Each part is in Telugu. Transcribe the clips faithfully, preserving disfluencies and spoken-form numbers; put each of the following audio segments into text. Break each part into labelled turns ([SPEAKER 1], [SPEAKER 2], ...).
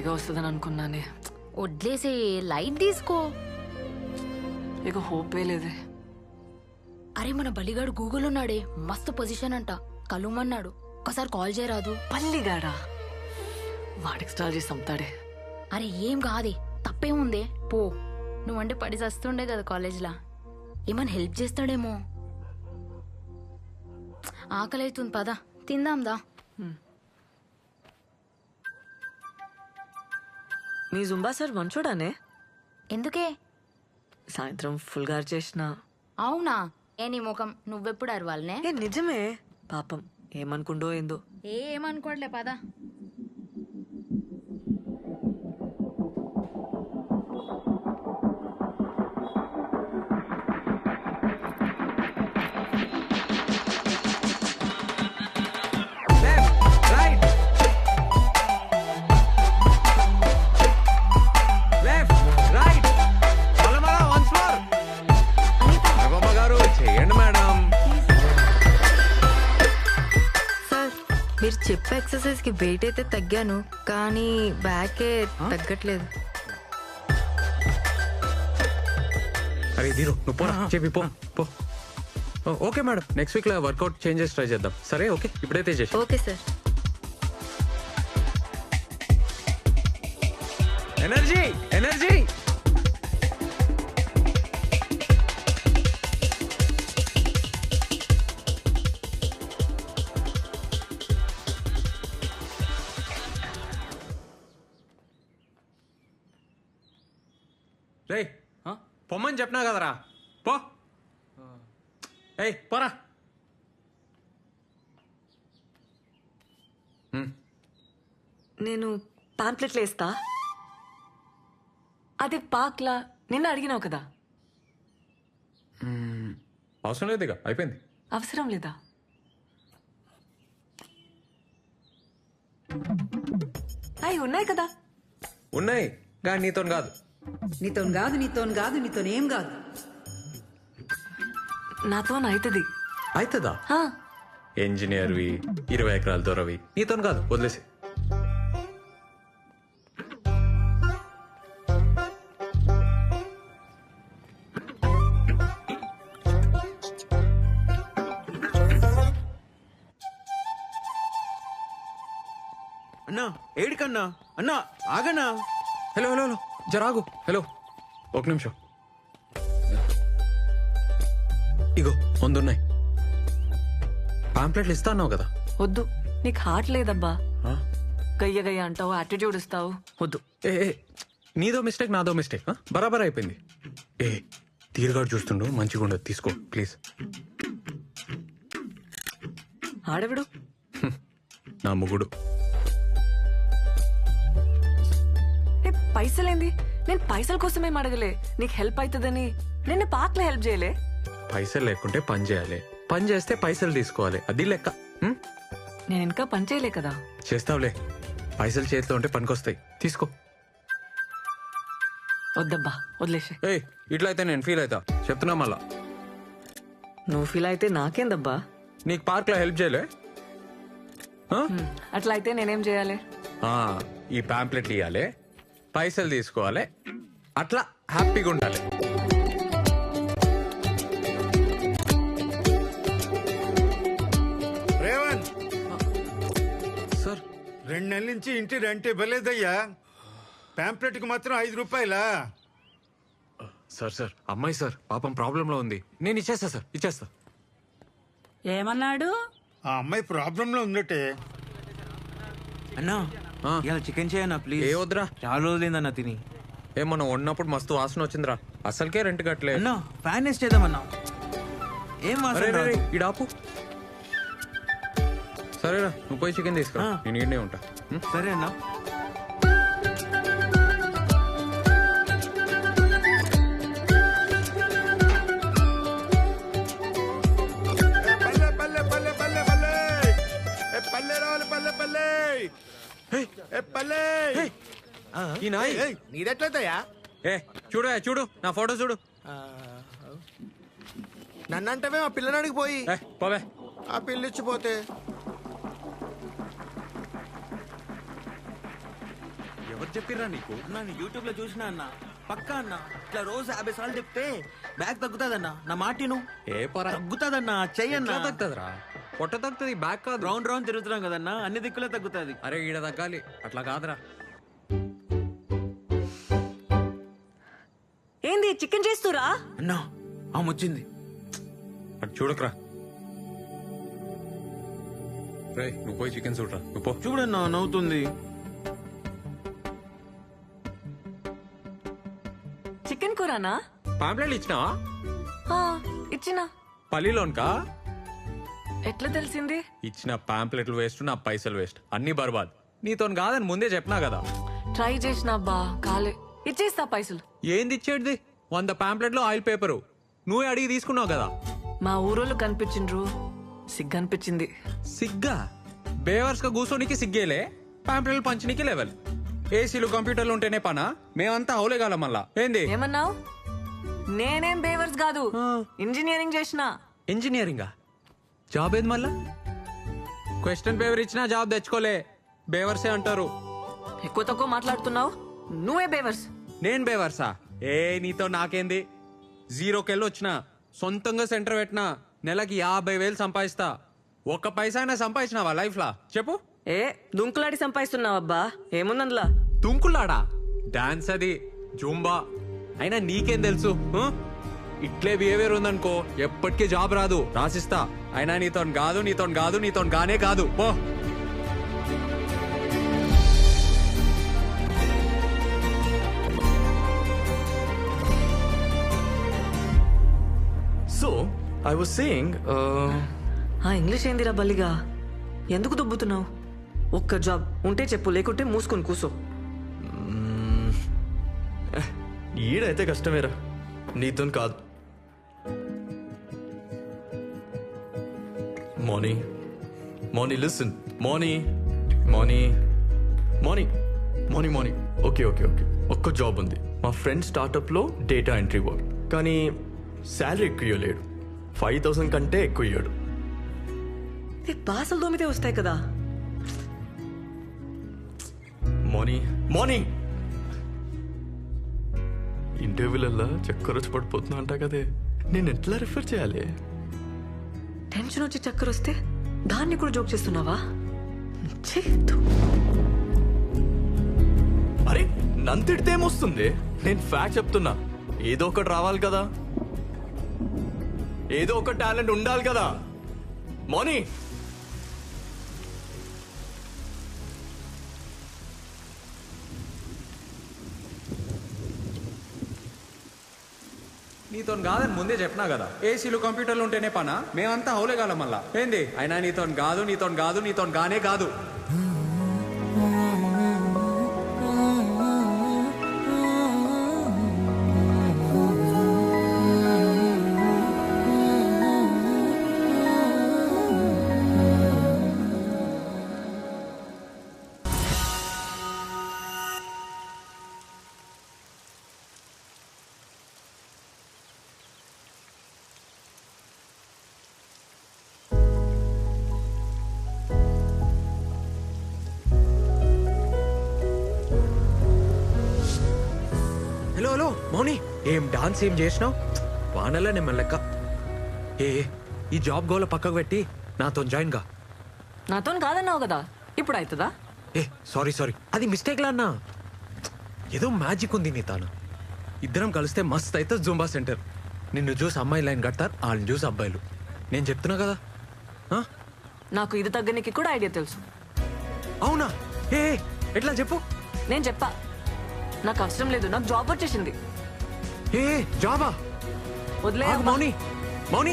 [SPEAKER 1] ఈజీగా వస్తుందని అనుకున్నానే.
[SPEAKER 2] వడ్లేసే లైట్ తీసుకో.
[SPEAKER 1] ఇక హోపే లేదే.
[SPEAKER 2] అరే మన బలిగాడు గూగుల్ ఉన్నాడే, మస్తు పొజిషన్ అంట, కలుమన్నాడు. ఒకసారి కాల్ చేయరాదు?
[SPEAKER 1] పల్లిగాడా? వాడికి స్టాల్ చేసి చంపుతాడే.
[SPEAKER 2] అరే ఏం కాదే, తప్పేముందే, పో. నువ్వంటే పడి చస్తుండే కదా కాలేజ్లా, ఏమన్నా హెల్ప్ చేస్తాడేమో. ఆకలి అవుతుంది, పదా తిందాందా.
[SPEAKER 1] మీ జుంబా సార్ మంచోడానే.
[SPEAKER 2] ఎందుకే?
[SPEAKER 1] సాయంత్రం ఫుల్ గారు చేసిన.
[SPEAKER 2] అవునా? ఏ నీ ముఖం, నువ్వెప్పుడు అరవాలనే?
[SPEAKER 1] ఏ నిజమే, పాపం ఏమనుకుండో ఏందో.
[SPEAKER 2] ఏ ఏమనుకోవట్లే, పదా.
[SPEAKER 3] మీరు చెప్పే ఎక్సర్సైజ్ కి వెయిట్ అయితే తగ్గాను, కానీ బ్యాకే తగ్గట్లేదు.
[SPEAKER 4] అరే దీరు నువ్వు పోరా, చెప్పి పో పో. ఓకే మేడం, నెక్స్ట్ వీక్ లో వర్కౌట్ చేంజెస్ ట్రై చేద్దాం. సరే ఓకే, ఇప్పుడైతే చేసి.
[SPEAKER 3] Okay sir.
[SPEAKER 4] Energy energy. రే పొమ్మని చెప్పినా కదరా, పో. ఏయ్ పోరా.
[SPEAKER 1] నేను పాంప్లెట్లు వేస్తా. అది పాక్లా నిన్న అడిగినావు కదా.
[SPEAKER 4] అవసరం లేదు, ఇక అయిపోయింది.
[SPEAKER 1] అవసరం లేదా? అవి ఉన్నాయి కదా.
[SPEAKER 4] ఉన్నాయి కానీ నీతో కాదు.
[SPEAKER 5] నీతో కాదు నీతో కాదు నీతో ఏం కాదు.
[SPEAKER 1] నాతో అవుతుంది.
[SPEAKER 4] అవుతుందా? ఇంజనీర్వి, ఇరవై ఎకరాల దొరవి, నీతో కాదు, వదిలేసి.
[SPEAKER 6] అన్నా ఏడికన్నా అన్నా ఆగన్నా.
[SPEAKER 4] హలో హలో హలో జరాగు. హలో ఒక నిమిషం. ఇగో ముందున్నాయి పాంప్లెట్లు. ఇస్తా అన్నావు కదా.
[SPEAKER 1] వద్దు, నీకు హార్ట్ లేదబ్బా. గయ్య గయ్య అంటావు, యాటిట్యూడ్ ఇస్తావు, వద్దు.
[SPEAKER 4] ఏ నీదో మిస్టేక్, నాదో మిస్టేక్, బరాబర్ అయిపోయింది. ఏ తీరుగాడు చూస్తుండు, మంచిగా ఉండదు, తీసుకో ప్లీజ్.
[SPEAKER 1] ఆడవిడు
[SPEAKER 4] నా ముగుడు.
[SPEAKER 1] పైసలేంది? నేను పైసల కోసమేం అడగలే, నీకు హెల్ప్ అవుతుందని. నేను పార్క్లో హెల్ప్ చేయలే.
[SPEAKER 4] పైసలు లేకుంటే పని చేయాలి, పని చేస్తే పైసలు తీసుకోవాలి, అది లెక్క.
[SPEAKER 1] నేను ఇంకా పని చేయలే కదా.
[SPEAKER 4] చేస్తావులే, పైసలు చేతిలో ఉంటే పనికొస్తాయి, తీసుకో.
[SPEAKER 1] వద్దబ్బా, వదిలేసే.
[SPEAKER 4] ఏయ్ ఇట్లా అయితే నేను ఫీల్ అవుతా, చెప్తున్నా మళ్ళా.
[SPEAKER 1] నువ్వు ఫీల్ అయితే నాకేందబ్బా.
[SPEAKER 4] నీకు పార్క్ లో హెల్ప్ చేయలే?
[SPEAKER 1] అట్లా అయితే నేనేం చేయాలి?
[SPEAKER 4] ఈ పాంప్లెట్లు ఇవ్వాలి, పైసలు తీసుకోవాలి, అట్లా హ్యాపీగా ఉండాలి.
[SPEAKER 6] రేవంత్
[SPEAKER 4] సార్,
[SPEAKER 6] రెండు నెలల నుంచి ఇంటి రెంట్ ఇవ్వలేదయ్యా. పాంప్లెట్ కి మాత్రం ఐదు రూపాయలా?
[SPEAKER 4] సార్ సార్ అమ్మాయి సార్ పాపం ప్రాబ్లంలో ఉంది, నేను ఇచ్చేస్తా సార్, ఇచ్చేస్తా.
[SPEAKER 5] ఏమన్నాడు?
[SPEAKER 6] ఆ అమ్మాయి ప్రాబ్లం లో ఉందటే.
[SPEAKER 7] అన్నా ఇలా చికెన్ చేయన్నా ప్లీజ్.
[SPEAKER 4] ఏ వద్దురా,
[SPEAKER 7] చాలా రోజులైందన్నా తిని.
[SPEAKER 4] ఏ మనం వండినప్పుడు మస్తు వాసన వచ్చిందిరా, అసలుకే రెంట్ కట్టలే.
[SPEAKER 7] అన్నా ఫ్యాన్ వేస్ట్ చేద్దామన్నా. ఏం వాసన రాదు.
[SPEAKER 4] ఇడాపు. సరేరా, నువ్వు పోయి చికెన్ తీసుకురా, నేను ఈడనే ఉంటా.
[SPEAKER 7] సరే అన్నా.
[SPEAKER 6] పల్లె పల్లె పల్లె పల్లె పల్లె పల్లె రావాలి, పల్లె పల్లె పల్లె.
[SPEAKER 4] ఈ నాయ్
[SPEAKER 6] నీదెట్లయితయా?
[SPEAKER 4] ఏ చూడు చూడు నా ఫోటో చూడు.
[SPEAKER 6] నన్నంటవే ఆ పిల్లనాడికి పోయి
[SPEAKER 4] పోవే.
[SPEAKER 6] ఆ పిల్లిచ్చిపోతే
[SPEAKER 4] ఎవరు చెప్పిర్రా నీకు?
[SPEAKER 7] అన్న యూట్యూబ్ లో చూసినా అన్న పక్కా అన్న ఇట్లా రోజు యాభై సార్లు చెప్తే బ్యాగ్ తగ్గుతాదన్న నా మాటిను
[SPEAKER 4] ఏ పొరా
[SPEAKER 7] తగ్గుతాదన్న చెయ్యన్న
[SPEAKER 4] తగ్గుతుందిరా, పొట్ట తగ్గుతుంది, బ్యాక్ కాదు.
[SPEAKER 7] రౌండ్ రౌండ్ తిరుగుతున్నాం కదన్నా అన్ని దిక్కులే తగ్గుతాది.
[SPEAKER 4] అరే ఈడ తగ్గాలి, అట్లా కాదురా.
[SPEAKER 1] ఏంది చికెన్ చేస్తురా?
[SPEAKER 7] అన్నా ఆమె వచ్చింది.
[SPEAKER 4] అటు చూడకరా. రే నువ్వు పోయి చికెన్ చూడరా, నువ్వు పో.
[SPEAKER 7] చూడన్నా నవ్వుతుంది.
[SPEAKER 1] చికెన్ కూరనా?
[SPEAKER 4] పాంప్లెట్లు ఇచ్చినావా?
[SPEAKER 1] ఆ, ఇచ్చినా.
[SPEAKER 4] పల్లిలోన్కా?
[SPEAKER 1] ఎట్లా తెలిసింది?
[SPEAKER 4] ఇచ్చిన పాంప్లెట్లు వేస్ట్, నా పైసలు వేస్ట్, అన్ని బర్బాద్. నీతో కాదని ముందే చెప్పినా కదా.
[SPEAKER 1] ట్రై చేసినా బా కాలే. ఇచ్చేస్తా పైసలు.
[SPEAKER 4] ఏంది ఇచ్చేటిది? వంద పాంప్లెట్లు ఆయిల్ పేపరు నువ్వే అడిగి తీసుకున్నావు కదా.
[SPEAKER 1] మా ఊరోళ్ళు కనిపించిండ్రు, సిగ్గు అనిపించింది.
[SPEAKER 4] సిగ్గా? బేవర్స్ గా కూర్చోనికి సిగ్గేలే, పాంప్లెట్లు పంచనీకి లెవెల్. ఏసీలు కంప్యూటర్లు ఉంటేనే పనా? మేమంతా హౌలేగాల మళ్ళా. ఏంది
[SPEAKER 1] ఏమన్నావు? నేనేం బేవర్స్ కాదు, ఇంజనీరింగ్ చేసిన.
[SPEAKER 4] ఇంజనీరింగా? జాబ్ ఏది మళ్ళా? క్వశ్చన్ పేపర్ ఇచ్చినా జాబ్ తెచ్చుకోలే, బేవర్సే అంటారు.
[SPEAKER 1] ఎక్కువ తక్కువ మాట్లాడుతున్నావు, నువ్వే బేవర్స్.
[SPEAKER 4] నేను బేవర్సా? ఏ నీతో నాకేంది? జీరోకెళ్ళి వచ్చిన, సొంతంగా సెంటర్ పెట్టినా, నెలకి యాభై వేలు సంపాదిస్తా. ఒక్క పైసా అయినా సంపాదించినావా లైఫ్ లా చెప్పు?
[SPEAKER 1] ఏ దుంకులాడి సంపాదిస్తున్నావబ్బా, ఏముందందులా?
[SPEAKER 4] తుంకులాడా? డాన్స్ అది, జూంబా. అయినా నీకేం తెలుసు? ఆ? ఇట్లే బిహేవియర్ ఉందనుకో ఎప్పటికీ జాబ్ రాదు, రాసిస్తా. అయినా నీతో కాదు, నీతో కాదు, నీతో గానే కాదు, పో.
[SPEAKER 8] So, I was saying, uh,
[SPEAKER 1] ఆ ఇంగ్లీష్ ఏందిరా బల్లిగా? ఎందుకు దుబ్బుతున్నావు? ఒక్క జాబ్ ఉంటే చెప్పు, లేకుంటే మూసుకొని కూసో.
[SPEAKER 8] ఈడైతే కష్టమేరా, నీతో కాదు. Moni Moni listen Moni Moni Moni Moni Moni okay okay okay ఒక్క జాబ్ ఉంది మా ఫ్రెండ్ స్టార్టప్లో డేటా ఎంట్రీ వర్క్. కానీ శాలరీ ఎక్కువ ఇవ్వలేడు, ఫైవ్ థౌసండ్ కంటే ఎక్కువ ఇవ్వడు.
[SPEAKER 1] బాసలు దోమితే వస్తాయి కదా.
[SPEAKER 8] మోనీ మోనీ ఇంటర్వ్యూలల్లా చక్కర వచ్చి పడిపోతున్నా అంటా కదే, నేను ఎట్లా రిఫర్ చేయాలి?
[SPEAKER 1] టెన్షన్ వచ్చి చక్కర వస్తే దాన్ని కూడా జోక్ చేస్తున్నావా? ఛీ, ధూ.
[SPEAKER 8] అరే నన్ను తిడితే ఏమొస్తుంది? నేను ఫ్యాక్ట్ చెప్తున్నా. ఏదో ఒకటి రావాలి కదా, ఏదో ఒక టాలెంట్ ఉండాలి కదా. మోనీ
[SPEAKER 4] నీతో కాదని ముందే చెప్పినా కదా. ఏసీలు కంప్యూటర్లు ఉంటేనే పనా? మేమంతా హౌలేగాల మళ్ళా. ఏంది? అయినా నీతో కాదు, నీతో కాదు, నీతో గానే కాదు. హలో హలో మౌని, ఏం డాన్స్ ఏం చేసినావు? వానల్లా నేను లెక్క. ఏ ఈ జాబ్ గోల పక్కకు పెట్టి నాతో జాయిన్ గా.
[SPEAKER 1] నాతో కాదన్నావు కదా, ఇప్పుడు అవుతుందా?
[SPEAKER 4] ఏ సారీ సారీ, అది మిస్టేక్ లా అన్నా. ఏదో మ్యాజిక్ ఉంది నీ తాను. ఇద్దరం కలిస్తే మస్త్ అయితే జూంబా సెంటర్. నిన్ను చూసి అమ్మాయి లైన్ కడతారు, వాళ్ళని చూసి అబ్బాయిలు. నేను చెప్తున్నా కదా. ఆ?
[SPEAKER 1] నాకు ఇది తగ్గనికి కూడా ఐడియా తెలుసు.
[SPEAKER 4] అవునా? ఏ ఎట్లా చెప్పు.
[SPEAKER 1] నేను చెప్పా, నాకు అవసరం లేదు, నాకు జాబ్ వచ్చేసింది.
[SPEAKER 4] ఏ జాబా?
[SPEAKER 1] వదిలే
[SPEAKER 4] ఆగు మౌని, మౌని.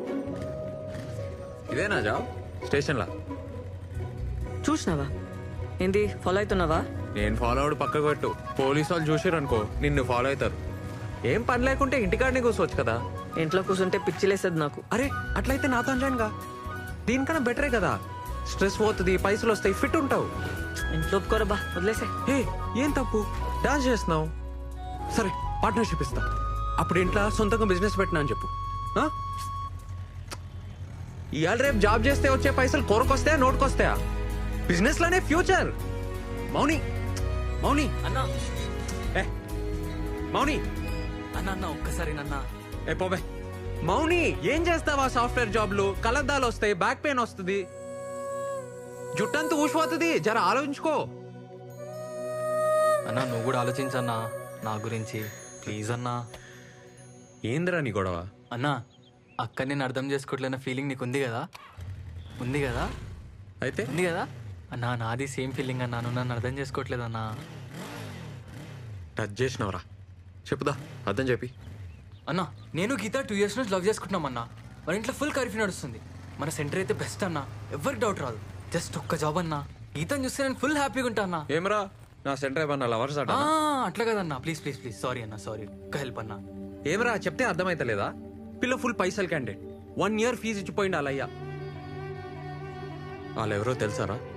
[SPEAKER 4] ఇదేనా జాబ్? స్టేషన్లా
[SPEAKER 1] చూసినావా ఏంది ఫాలో అవుతున్నావా?
[SPEAKER 4] నేను ఫాలో అవడు పక్కకు పెట్టు. పోలీసు వాళ్ళు చూసారు అనుకో నిన్ను ఫాలో అవుతారు. ఏం పని లేకుంటే ఇంటికాడనే కూర్చోవచ్చు కదా.
[SPEAKER 1] ఇంట్లో కూర్చుంటే పిచ్చిలేసేది నాకు.
[SPEAKER 4] అరే అట్లయితే నాతో జాయిన్గా. దీనికన్నా బెటరే కదా. స్ట్రెస్ పోతుంది, పైసలు వస్తాయి, ఫిట్ ఉంటావు.
[SPEAKER 1] ఇంట్లో ఒప్పుకోరా బా, వదిలేసే.
[SPEAKER 4] ఏ ఏం తప్పు, డాన్స్ చేస్తున్నావు. సరే పార్ట్నర్షిప్ ఇస్తా. అప్పుడు ఇంట్లో సొంతంగా బిజినెస్ పెట్టినా అని చెప్పు. ఆ? ఇవాళ రేపు జాబ్ చేస్తే వచ్చే పైసలు కొరకొస్తాయా నోటుకొస్తాయా? బిజినెస్ లోనే ఫ్యూచర్. మౌని మౌని
[SPEAKER 7] అన్నా
[SPEAKER 4] ఏ మౌని
[SPEAKER 7] అన్న అన్న ఒక్కసారి నన్న
[SPEAKER 4] ఏ పోబే. మౌని ఏం చేస్తావా? సాఫ్ట్వేర్ జాబ్లు కలద్దాలు వస్తాయి, బ్యాక్ పెయిన్ వస్తుంది, జుట్టంతా ఊసిపోతుంది. జర ఆలోచించుకో.
[SPEAKER 9] అన్నా నువ్వు కూడా ఆలోచించన్నా నా గురించి ప్లీజ్ అన్నా.
[SPEAKER 4] ఏందిరా నీ గొడవ?
[SPEAKER 9] అన్నా అక్క నేను అర్థం చేసుకోవట్లేన ఫీలింగ్ నీకు ఉంది కదా? ఉంది కదా?
[SPEAKER 4] అయితే
[SPEAKER 9] ఉంది కదా అన్నా? నాది సేమ్ ఫీలింగ్ అన్నా. నువ్వు నన్ను అర్థం చేసుకోవట్లేదన్నా.
[SPEAKER 4] టచ్ చేసినవరా? చెప్పుదా అర్థం చెప్పి.
[SPEAKER 9] అన్నా నేను గీత టూ ఇయర్స్ నుంచి లవ్ చేసుకుంటున్నాం అన్నా. మన ఇంట్లో ఫుల్ కర్ఫ్యూ నడుస్తుంది. మన సెంటర్ అయితే బెస్ట్ అన్నా, ఎవరికి డౌట్ రాదు. జస్ట్ ఒక్క జాబ్ అన్నా. గీతను చూస్తే నేను ఫుల్ హ్యాపీగా ఉంటా అన్నా.
[SPEAKER 4] ఏమరా నా సెంటర్ ఏమన్నా లవర్స్ అట?
[SPEAKER 9] ఆ, అట్లా కదన్నా. ప్లీజ్ ప్లీజ్ ప్లీజ్ సారీ అన్నా, సారీ. ఒక్క హెల్ప్ అన్నా.
[SPEAKER 4] ఏమరా చెప్తే అర్థమైతలేదా? పిల్ల ఫుల్ పైసలు క్యాండిడేట్, వన్ ఇయర్ ఫీజు ఇచ్చిపోయింది వాళ్ళయ్యా. వాళ్ళు ఎవరో తెలుసారా?